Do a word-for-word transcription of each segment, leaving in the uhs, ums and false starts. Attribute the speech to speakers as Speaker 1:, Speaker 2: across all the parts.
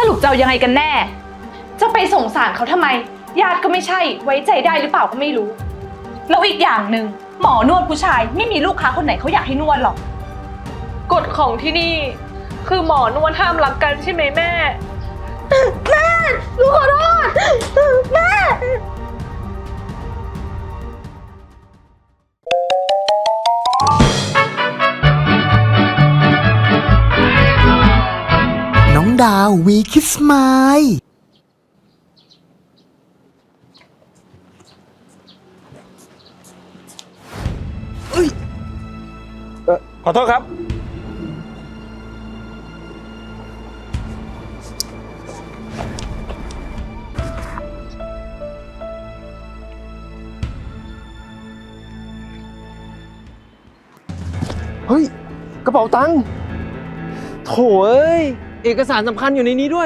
Speaker 1: รุปจะเอายังไงกันแน่จะไปสงสารเขาทำไมญาติก็ไม่ใช่ไว้ใจได้หรือเปล่าก็ไม่รู้แล้วอีกอย่างหนึ่งหมอนวดผู้ชายไม่มีลูกค้าคนไหนเขาอยากให้นวดหรอกกฎของที่นี่คือหมอนวดห้ามรักกันใช่ไหมแม่แม่ลูกขอโทษแม่
Speaker 2: น้องดาววีคิสไมล์
Speaker 3: ขอโทษครับเฮ้ยกระเป๋าตังค์โถ่เอ้ยเอกสารสำคัญอยู่ในนี้ด้วย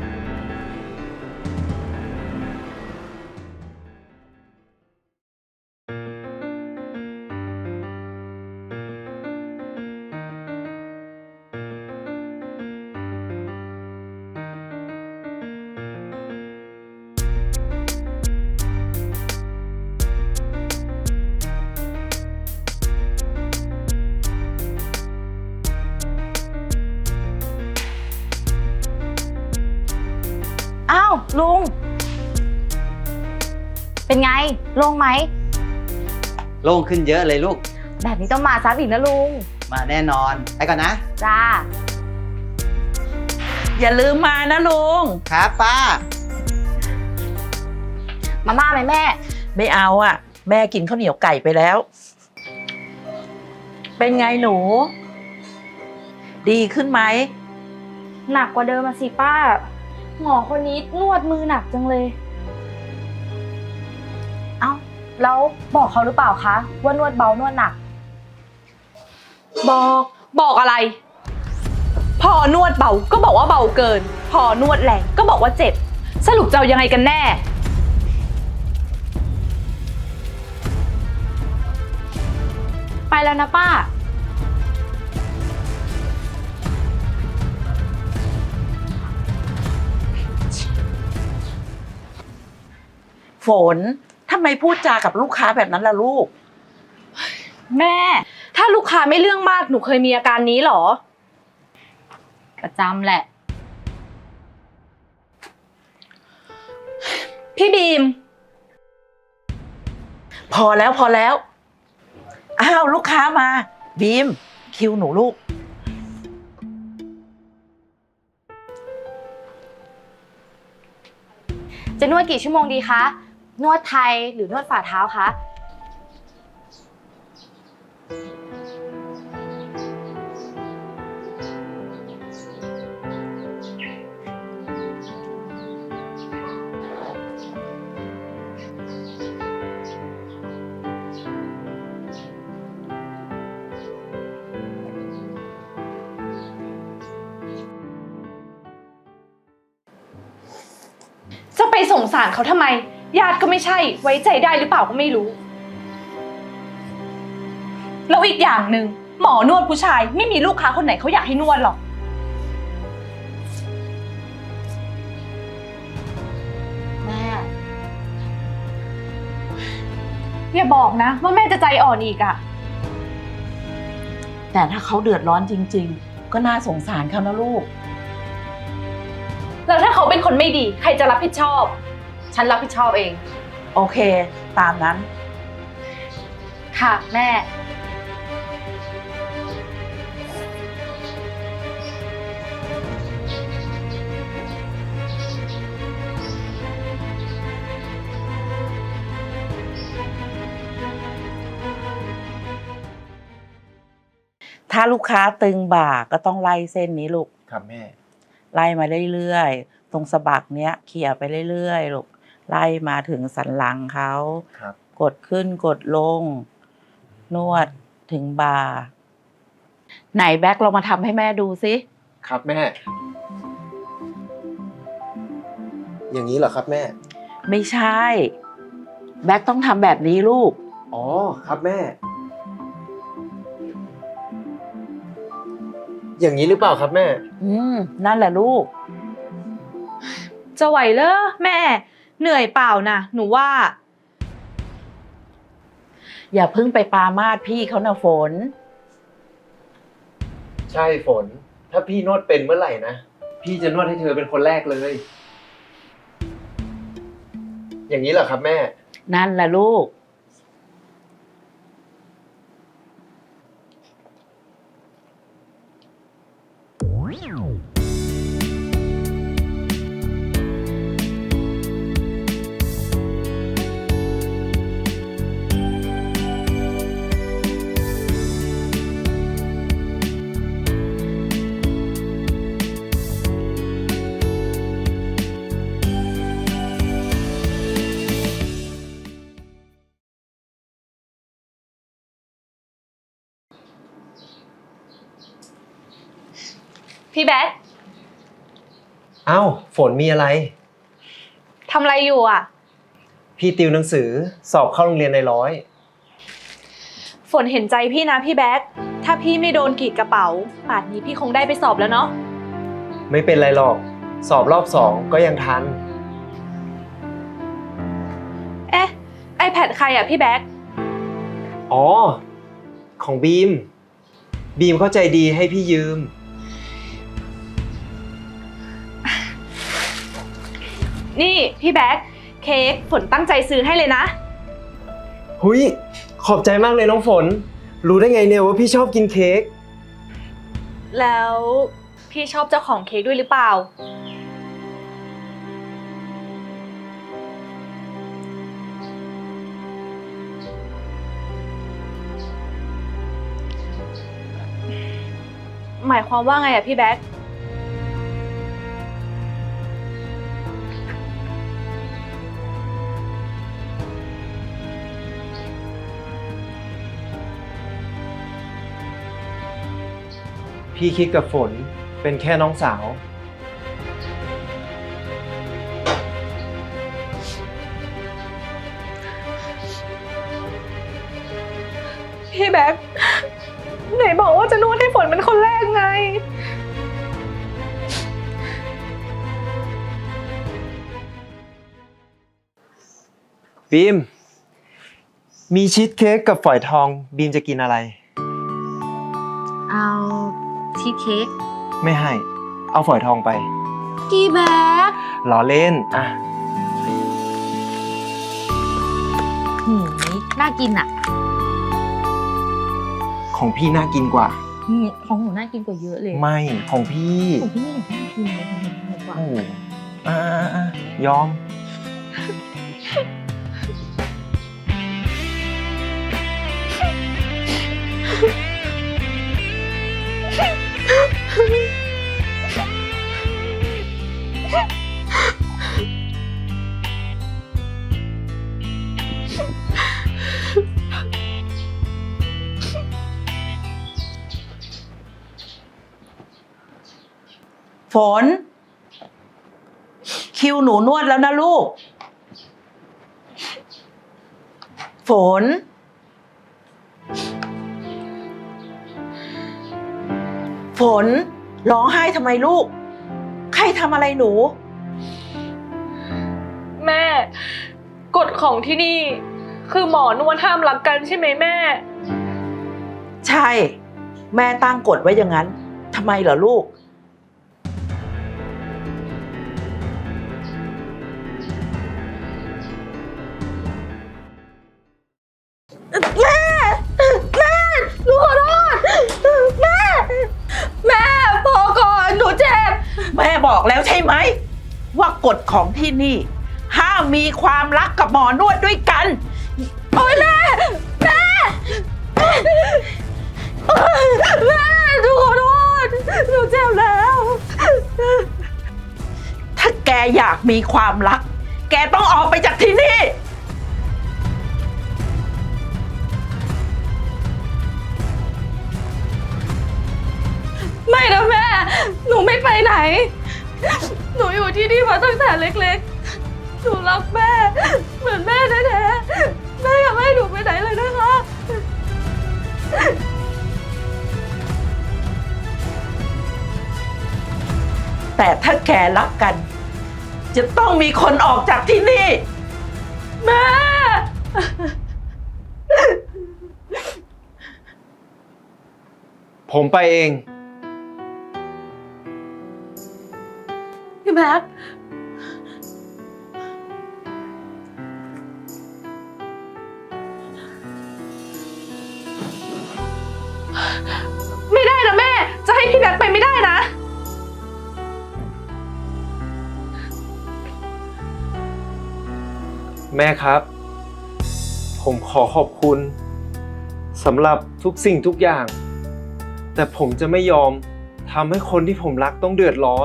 Speaker 4: อ้าวลุงเป็นไงโล่งไหม
Speaker 5: โล่งขึ้นเยอะเลยลูก
Speaker 4: แบบนี้ต้องมาซ้ำอีกนะลุง
Speaker 5: มาแน่นอนไปก่อนนะ
Speaker 4: จ้า
Speaker 6: อย่าลืมมานะลุง
Speaker 5: ครับป้า
Speaker 4: มาม่าไหมแม่
Speaker 6: ไม่เอาอ่ะแม่กินข้าวเหนียวไก่ไปแล้วเป็นไงหนูดีขึ้นไหม
Speaker 4: หนักกว่าเดิมมาสิป้าหมอคนนี้นวดมือหนักจังเลยเอ้าแล้วบอกเขาหรือเปล่าคะว่านวดเบานวดหนัก
Speaker 1: บอกบอกอะไรพอนวดเบาก็บอกว่าเบาเกินพอนวดแรงก็บอกว่าเจ็บสรุปจะเอายังไงกันแน่ไปแล้วนะป้า
Speaker 6: ฝนทำไมพูดจากับลูกค้าแบบนั้นล่ะลูก
Speaker 1: แม่ถ้าลูกค้าไม่เรื่องมากหนูเคยมีอาการนี้หรอ
Speaker 4: ประจำแหละ
Speaker 1: พี่บีม
Speaker 6: พอแล้วพอแล้วอ้าวลูกค้ามาบีมคิวหนูลูก
Speaker 4: จะนวดกี่ชั่วโมงดีคะนวดไทยหรือนวดฝ่าเท้าคะ
Speaker 1: จะไปสงสารเขาทำไมญาติก็ไม่ใช่ไว้ใจได้หรือเปล่าก็ไม่รู้แล้วอีกอย่างหนึ่งหมอนวดผู้ชายไม่มีลูกค้าคนไหนเขาอยากให้นวดหรอก
Speaker 4: แม่
Speaker 1: อย่าบอกนะว่าแม่จะใจอ่อนอีกอะ
Speaker 6: แต่ถ้าเขาเดือดร้อนจริงๆก็น่าสงสารเขานะลูก
Speaker 1: แล้วถ้าเขาเป็นคนไม่ดีใครจะรับผิดชอบฉันรับผิดชอบเอง
Speaker 6: โอเคตามนั้น
Speaker 4: ค่ะแม่
Speaker 6: ถ้าลูกค้าตึงบ่าก็ต้องไล่เส้นนี้ลูก
Speaker 3: ครับแม่
Speaker 6: ไล่มาเรื่อยๆตรงสะบักเนี้ยเขี่ยไปเรื่อยๆลูกไล่มาถึงสันหลังเขากดขึ้นกดลงนวดถึงบ่าไหนแบ็คเรามาทำให้แม่ดูสิ
Speaker 3: ครับแม่อย่างนี้เหรอครับแม่
Speaker 6: ไม่ใช่แบ็คต้องทำแบบนี้ลูก
Speaker 3: อ๋อครับแม่อย่างนี้หรือเปล่าครับแม่
Speaker 6: อืมนั่นแหละลูก
Speaker 1: จะไหวเหรอแม่ เหนื่อยเปล่านะหนูว่า
Speaker 6: อย่าเพิ่งไปปรามาสพี่เขานะฝน
Speaker 3: ใช่ฝน ถ้าพี่นวดเป็นเมื่อไหร่นะ พี่จะนวดให้เธอเป็นคนแรกเลย อย่างนี้เหรอครับแม่
Speaker 6: นั่นล่ะลูก
Speaker 1: พี่แบ๊ก
Speaker 3: เอ้าฝนมีอะไร
Speaker 1: ทำอะไรอยู่อ่ะ
Speaker 3: พี่ติวหนังสือสอบเข้าโรงเรียนในร้อย
Speaker 1: ฝนเห็นใจพี่นะพี่แบ๊ก ถ้าพี่ไม่โดนกรีดกระเป๋าป่านนี้พี่คงได้ไปสอบแล้วเนาะ
Speaker 3: ไม่เป็นไรหรอก สอบรอบสองก็ยังทัน
Speaker 1: เอ๊ะ iPad ใครอ่ะพี่แบ๊ก
Speaker 3: อ๋อ ของบีม บีมเข้าใจดีให้พี่ยืม
Speaker 1: นี่พี่แบ๊ก เค้กฝนตั้งใจซื้อให้เลยนะ
Speaker 3: หุยขอบใจมากเลยน้องฝน รู้ได้ไงเนี่ยว่าพี่ชอบกินเค้ก
Speaker 1: แล้วพี่ชอบเจ้าของเค้กด้วยหรือเปล่า หมายความว่าไงอะพี่แบ๊ก
Speaker 3: พี่คิดกับฝนเป็นแค่น้องสาว
Speaker 1: พี่แบ๊ก ไหนบอกว่าจะนวดให้ฝนเป็นคนแรกไง
Speaker 3: บีม มีชีสเค้กกับฝอยทอง บีมจะกินอะไร
Speaker 4: เอาชีสเค้ก
Speaker 3: ไม่ให้ เอาฝอยทองไป
Speaker 4: กี่แบ๊ก
Speaker 3: ล้อเล่น อ่ะ
Speaker 4: หืมน่ากินอ่ะ
Speaker 3: ของพี่น่ากินกว่า
Speaker 4: อืมของหนูน่ากินกว่าเยอะเลย
Speaker 3: ไม่ ของพี่
Speaker 4: ของพี่ไม่น่ากินเลยของหนูน่ากินกว่า
Speaker 3: โอ้โหอ่าอ่าอ่ะยอม
Speaker 6: ฝน คิวหนูนวดแล้วนะลูก ฝน ฝน ร้องไห้ทำไมลูก ใครทำอะไรหนู
Speaker 1: แม่ กฎของที่นี่ คือหมอนวดห้ามรักกันใช่ไหมแม่
Speaker 6: ใช่ แม่ตั้งกฎไว้อย่างนั้นทำไมเหรอลูก
Speaker 1: หนูขอโทษ แม่ แม่พอก่อนหนูเจ็บ
Speaker 6: แม่บอกแล้วใช่ไหม ว่ากฎของที่นี่ ห้ามมีความรักกับหมอนวดด้วยกัน
Speaker 1: โอ๊ยแม่ แม่ แม่หนูขอโทษหนูเจ็บแล้ว
Speaker 6: ถ้าแกอยากมีความรัก แกต้องออกไปจากที่นี่
Speaker 1: ไม่นะแม่ หนูไม่ไปไหน หนูอยู่ที่นี่มาตั้งแต่เล็กๆ หนูรักแม่ เหมือนแม่แท้ๆ แม่อย่าให้หนูไปไหนเลยนะคะ
Speaker 6: แต่ถ้าแกรักกันจะต้องมีคนออกจากที่นี่
Speaker 1: แม่
Speaker 3: ผมไปเอง
Speaker 1: พี่แม็ก ไม่ได้นะแม่ จะให้พี่แม็กไปไม่ได้นะ
Speaker 3: แม่ครับ ผมขอขอบคุณสำหรับทุกสิ่งทุกอย่าง แต่ผมจะไม่ยอมทำให้คนที่ผมรักต้องเดือดร้อน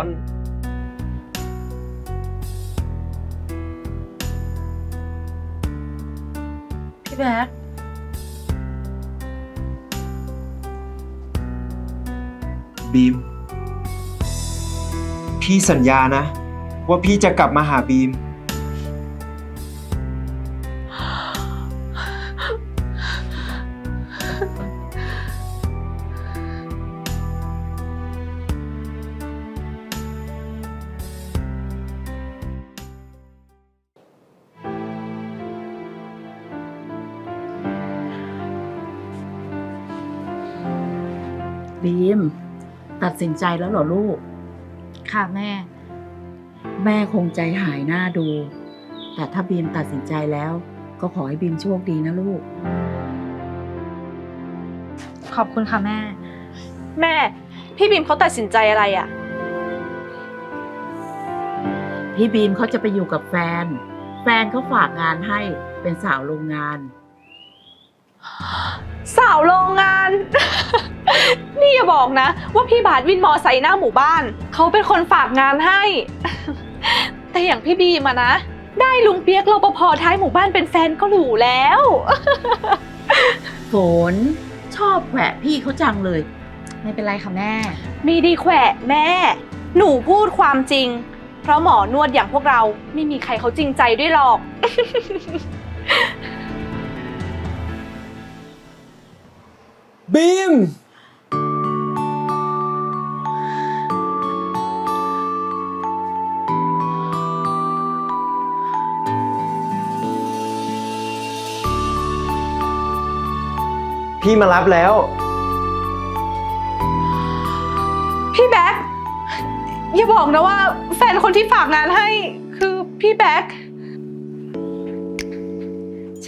Speaker 1: พี่แม็ก
Speaker 3: บีม พี่สัญญานะ ว่าพี่จะกลับมาหาบีม
Speaker 6: บีม ตัดสินใจแล้วเหรอลูก
Speaker 4: ค่ะแม่
Speaker 6: แม่คงใจหายหน้าดู แต่ถ้าบีมตัดสินใจแล้ว ก็ขอให้บีมโชคดีนะลูก
Speaker 4: ขอบคุณค่ะแม่
Speaker 1: แม่ พี่บีมเขาตัดสินใจอะไรอะ
Speaker 6: พี่บีมเขาจะไปอยู่กับแฟน แฟนเขาฝากงานให้เป็นสาวโรงงาน
Speaker 1: สาวโรงงาน นี่อย่าบอกนะ ว่าพี่บาทวินมอไซค์หน้าหมู่บ้าน เขาเป็นคนฝากงานให้ แต่อย่างพี่บีมอะนะ ได้ลุงเปียกรปภท้ายหมู่บ้านเป็นแฟนก็หรูแล้ว
Speaker 6: ฝนชอบแขวะพี่เขาจังเลย
Speaker 4: ไม่เป็นไรค่ะแม่
Speaker 1: มีดีแขวะแม่ หนูพูดความจริง เพราะหมอนวดอย่างพวกเราไม่มีใครเขาจริงใจด้วยหรอก
Speaker 3: บีม พี่มารับแล้ว
Speaker 1: พี่แบ๊กอย่าบอกนะว่าแฟนคนที่ฝากงานให้คือพี่แบ๊ก
Speaker 6: ใช่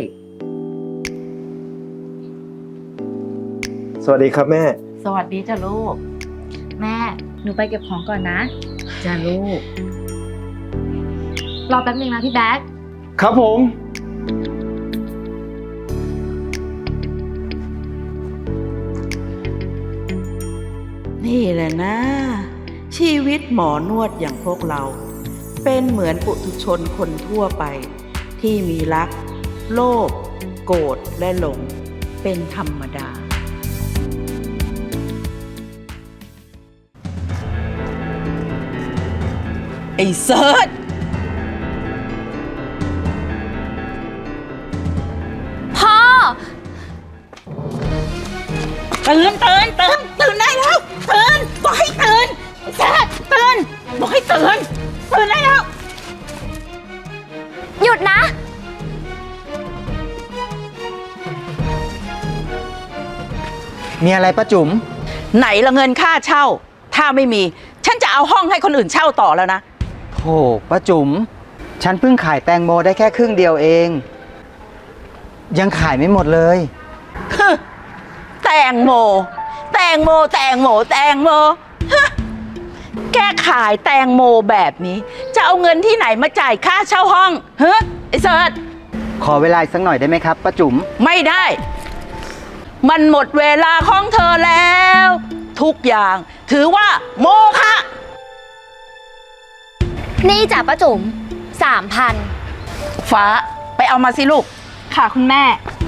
Speaker 3: สวัสดีครับแม่
Speaker 6: สวัสดีจ้ะลูก
Speaker 4: แม่ หนูไปเก็บของก่อนนะ
Speaker 6: จ้ะลูก
Speaker 4: รอแป๊บนึงนะพี่แบ๊ก
Speaker 3: ครับผม
Speaker 6: นี่แหละนะ ชีวิตหมอนวดอย่างพวกเรา เป็นเหมือนปุถุชนคนทั่วไป ที่มีรัก โลภโกรธและหลง เป็นธรรมดา ไอ้เซิร์ช
Speaker 4: พ่อ
Speaker 6: ตื่นตื่นตื่นตื่นได้แล้วตื่นบอกให้ตื่นไอ้เซิร์ชตื่นบอกให้ตื่นตื่นได้แล้ว
Speaker 4: หยุดนะ
Speaker 5: มีอะไรป้าจุ๋ม
Speaker 6: ไหนละเงินค่าเช่า ถ้าไม่มี ฉันจะเอาห้องให้คนอื่นเช่าต่อแล้วนะ
Speaker 5: โธ่ป้าจุ๋ม ฉันเพิ่งขายแตงโมได้แค่ครึ่งเดียวเอง ยังขายไม่หมดเลย
Speaker 6: แตงโม แตงโม แตงโม แตงโมฮะแกขายแตงโมแบบนี้ จะเอาเงินที่ไหนมาจ่ายค่าเช่าห้องเฮ้ไอ้เสิร์ช
Speaker 5: ขอเวลาอีกสักหน่อยได้ไหมครับป้าจุ๋ม
Speaker 6: ไม่ได้ มันหมดเวลาของเธอแล้ว ทุกอย่างถือว่าโมฆะ
Speaker 7: นี่จ้ะป้าจุ๋มสามพัน
Speaker 6: ฟ้าไปเอามาสิลูก
Speaker 1: ค่ะคุณแม่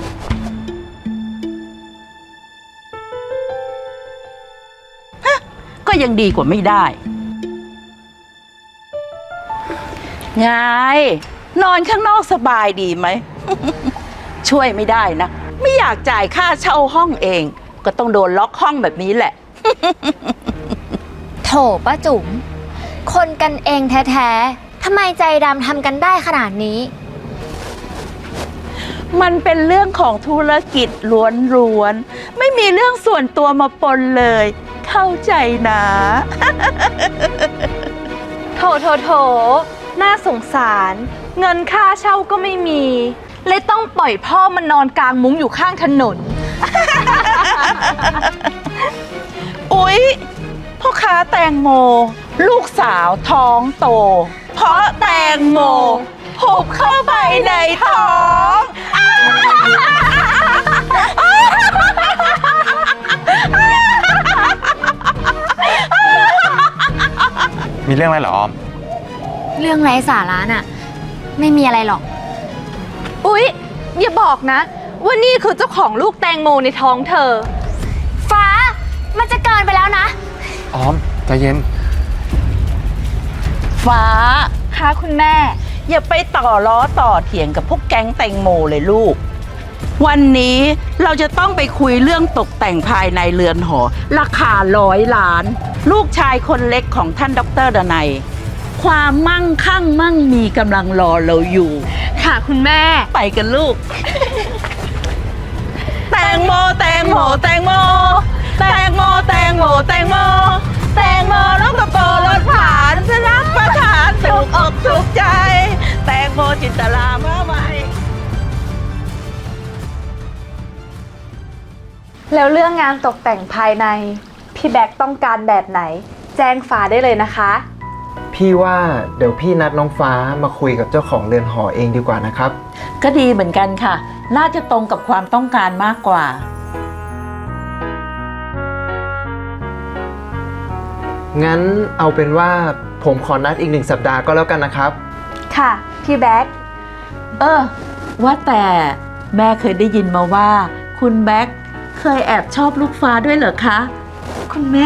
Speaker 6: ก็ยังดีกว่าไม่ได้ไงนอนข้างนอกสบายดีไหม ช่วยไม่ได้นะ ไม่อยากจ่ายค่าเช่าห้องเอง ก็ต้องโดนล็อกห้องแบบนี้แหละ
Speaker 7: โถป้าจุ๋มคนกันเองแท้ๆทำไมใจดำทำกันได้ขนาดนี้
Speaker 6: มันเป็นเรื่องของธุรกิจล้วนๆ ไม่มีเรื่องส่วนตัวมาปนเลย เข้าใจนะ
Speaker 1: โถโถโถน่าสงสาร เงินค่าเช่าก็ไม่มี เลยต้องปล่อยพ่อมันนอนกลางมุ้งอยู่ข้างถนน
Speaker 6: อุ๊ยพ่อค้าแตงโม ลูกสาวท้องโต เพราะแตงโมหุบเข้าไปในท้อง
Speaker 8: มีเรื่องอะไรเหรอออม
Speaker 7: เรื่องไร้สาระน่ะ ไม่มีอะไรหรอก
Speaker 1: อุ๊ย อย่าบอกนะ ว่านี่คือเจ้าของลูกแตงโมในท้องเธอ
Speaker 7: ฟ้า มันจะเกินไปแล้วนะ
Speaker 8: ออม ใจเย็น
Speaker 6: ฟ้า
Speaker 1: ค่ะคุณแม่
Speaker 6: อย่าไปต่อล้อต่อเถียงกับพวกแก๊งแตงโมเลยลูก วันนี้เราจะต้องไปคุยเรื่องตกแต่งภายในเรือนหอ ราคาร้อยล้าน ลูกชายคนเล็กของท่านดรดนัย ความมั่งคั่งมั่งมีกำลังรอเราอยู่
Speaker 1: ค่ะคุณแม่
Speaker 6: ไปกันลูก แตงโมแตงโมแตงโมแตงโมแตงโมแตงโมแตงโมลูกกระโปรงรถผ่านจะรับประทานถูกอกถูกใจ แตงโมจินตลามาใหม่
Speaker 1: แล้วเรื่องงานตกแต่งภายใน พี่แบ็คต้องการแบบไหน แจ้งฟ้าได้เลยนะคะ
Speaker 3: พี่ว่าเดี๋ยวพี่นัดน้องฟ้ามาคุยกับเจ้าของเรือนหอเองดีกว่านะครับ
Speaker 6: ก็ดีเหมือนกันค่ะ น่าจะตรงกับความต้องการมากกว่า
Speaker 3: งั้นเอาเป็นว่าผมขอนัดอีกหนึ่งสัปดาห์ก็แล้วกันนะครับ
Speaker 1: ค่ะ พี่แบ็ค
Speaker 6: เออ ว่าแต่แม่เคยได้ยินมาว่า คุณแบ็คเคยแอบชอบลูกฟ้าด้วยเหรอคะ
Speaker 1: คุณแม่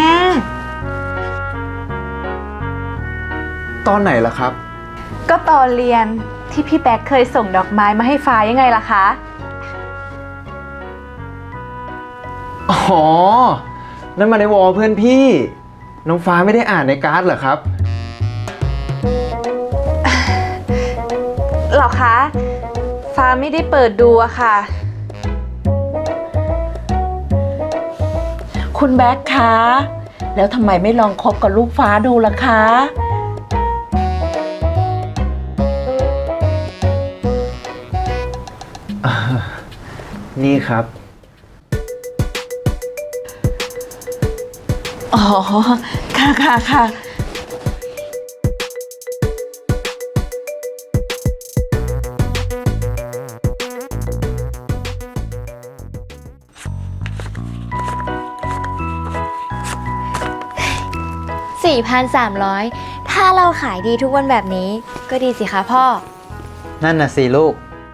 Speaker 3: ตอนไหนล่ะครับ
Speaker 1: ก็ตอนเรียนที่พี่แบ็คเคยส่งดอกไม้มาให้ฟ้ายังไงล่ะคะ
Speaker 3: อ๋อ นั่นมาในวอลเพื่อนพี่ น้องฟ้าไม่ได้อ่านในการ์ดเหรอครับ
Speaker 1: หรอคะ ฟ้าไม่ได้เปิดดูอะค่ะ
Speaker 6: คุณแบ็คคะ แล้วทำไมไม่ลองคบกับลูกฟ้าดูล่ะคะ
Speaker 3: นี่ครับ
Speaker 6: อ๋อ ค่ะค่ะค่ะ
Speaker 7: สี่พันสามร้อย ถ้าเราขายดีทุกวันแบบนี้ ก็ดีสิคะพ่อ
Speaker 5: นั่นน่ะสิลูก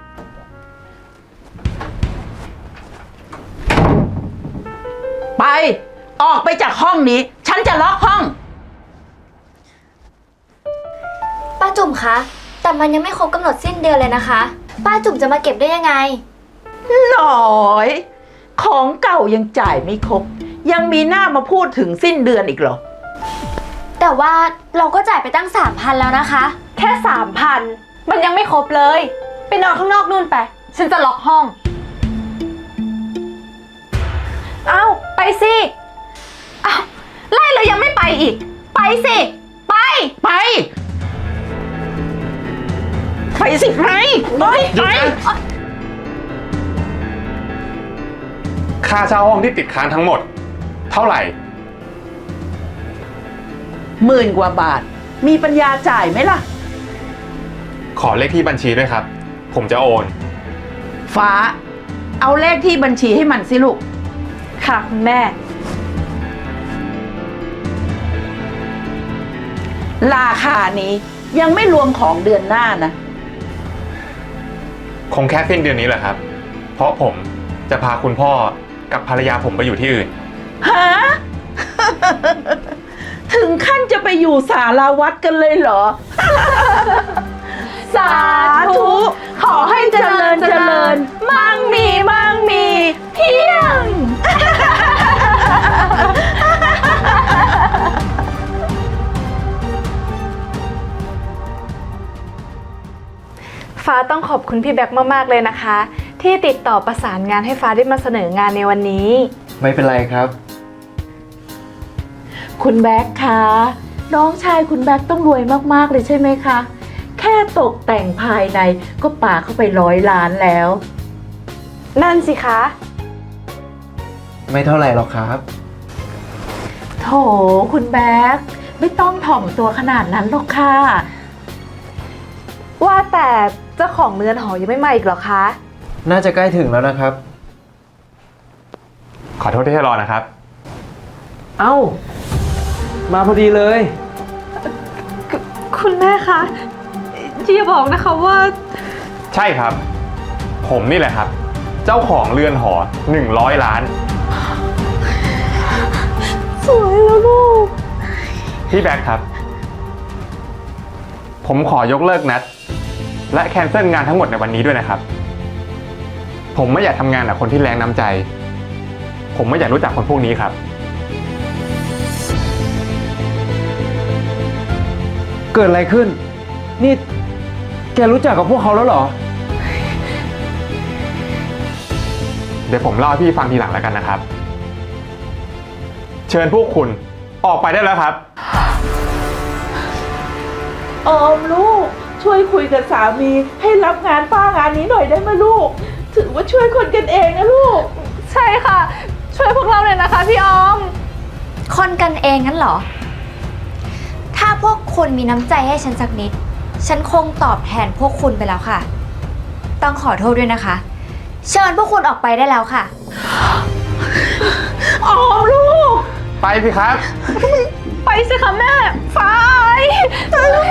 Speaker 6: ไป ออกไปจากห้องนี้ ฉันจะล็อกห้อง
Speaker 7: ป้าจุ๋มคะ แต่มันยังไม่ครบกำหนดสิ้นเดือนเลยนะคะ ป้าจุ๋มจะมาเก็บได้ยังไง
Speaker 6: หน่อย ของเก่ายังจ่ายไม่ครบ ยังมีหน้ามาพูดถึงสิ้นเดือนอีกเหรอ
Speaker 7: แต่ว่าเราก็จ่ายไปตั้งสามพันแล้วนะคะ
Speaker 1: แค่สามพันมันยังไม่ครบเลย ไปนอนข้างนอกนู่นไป ฉันจะล็อกห้อง เอ้า ไปสิ เอ้า ไล่แล้วยังไม่ไปอีก ไปสิ ไป
Speaker 6: ไป ไปสิไปไปไป
Speaker 8: ค่าเช่าห้องที่ติดค้างทั้งหมด เท่าไหร่
Speaker 6: หมื่นกว่าบาท มีปัญญาจ่ายไหมล่ะ
Speaker 8: ขอเลขที่บัญชีด้วยครับ ผมจะโอน
Speaker 6: ฟ้า เอาเลขที่บัญชีให้มันสิลูก
Speaker 1: ค่ะคุณแม่
Speaker 6: ราคานี้ยังไม่รวมของเดือนหน้านะ
Speaker 8: คงแค่สิ้นเดือนนี้แหละครับ เพราะผมจะพาคุณพ่อกับภรรยาผมไปอยู่ที่อื่น
Speaker 6: ฮะ ถึงขั้นจะไปอยู่สาราวัดกันเลยเหรอ
Speaker 1: สาธุ ขอให้เจริญเจริญ มั่งมีมั่งมีเพียงฟ้าต้องขอบคุณพี่แบ็คมากๆเลยนะคะ ที่ติดต่อประสานงานให้ฟ้าได้มาเสนองานในวันนี้
Speaker 3: ไม่เป็นไรครับ
Speaker 9: คุณแบ็คคะน้องชายคุณแบ็คต้องรวยมากๆเลยใช่ไหมคะ แค่ตกแต่งภายในก็ป่าเข้าไปร้อยล้านแล้ว
Speaker 1: นั่นสิคะ
Speaker 3: ไม่เท่าไหร่หรอกครับ
Speaker 9: โถคุณแบ็คไม่ต้องถ่อมตัวขนาดนั้นหรอกค่ะ
Speaker 1: ว่าแต่เจ้าของเรือนหอยังไม่มาอีกเหรอคะ
Speaker 3: น่าจะใกล้ถึงแล้วนะครับ
Speaker 8: ขอโทษที่ให้รอนะครับ
Speaker 3: เอ้า มาพอดีเลย
Speaker 1: คุณแม่คะอย่าบอกนะคะว่า
Speaker 8: ใช่ครับ ผมนี่แหละครับ เจ้าของเรือนหอหนึ่งร้อยล้าน
Speaker 1: สวยแล้วลูก
Speaker 8: พี่แบ็คครับ ผมขอยกเลิกนัด และแคนเซิลงานทั้งหมดในวันนี้ด้วยนะครับ ผมไม่อยากทำงานกับคนที่แรงน้ำใจ ผมไม่อยากรู้จักคนพวกนี้ครับ
Speaker 3: เกิดอะไรขึ้น นี่ แกรู้จักกับพวกเขาแล้วเหรอ
Speaker 8: เดี๋ยวผมเล่าให้พี่ฟังทีหลังแล้วกันนะครับ เชิญพวกคุณออกไปได้แล้วครับ
Speaker 9: ออมลูกช่วยคุยกับสามีให้รับงานป้างานนี้หน่อยได้ไหมลูก ถือว่าช่วยคนกันเองนะลูก
Speaker 1: ใช่ค่ะ ช่วยพวกเราเลยนะคะพี่ออม
Speaker 7: คนกันเองงั้นเหรอ ถ้าพวกคุณมีน้ำใจให้ฉันสักนิด ฉันคงตอบแทนพวกคุณไปแล้วค่ะ ต้องขอโทษด้วยนะคะ เชิญพวกคุณออกไปได้แล้วค่ะ
Speaker 9: ออมลูก
Speaker 8: ไปสิครับ
Speaker 1: ไปสิคะแม่ฟ้าไป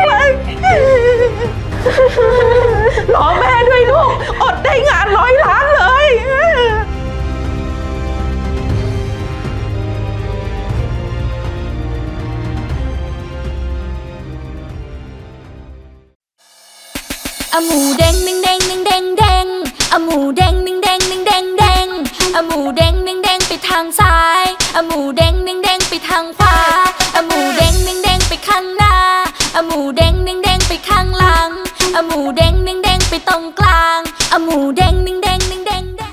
Speaker 9: รอแม่ด้วยลูก อดได้งานร้อยล้านเลย
Speaker 10: อะหมูแดงหนึ่งแดงหนึ่งแดงแดงอะหมูแดงหนึ่งแดงหนึ่งแดงแดงอะหมูแดงหนึ่งแดงไปทางซ้ายอะหมูแดงหนึ่งแดงไปทางขวาอะหมูแดงหนึ่งแดงไปข้างหน้าอะหมูแดงหนึ่งแดงไปข้างหลังอะหมูแดงหนึ่งแดงไปตรงกลางอะหมูแดงหนึ่ง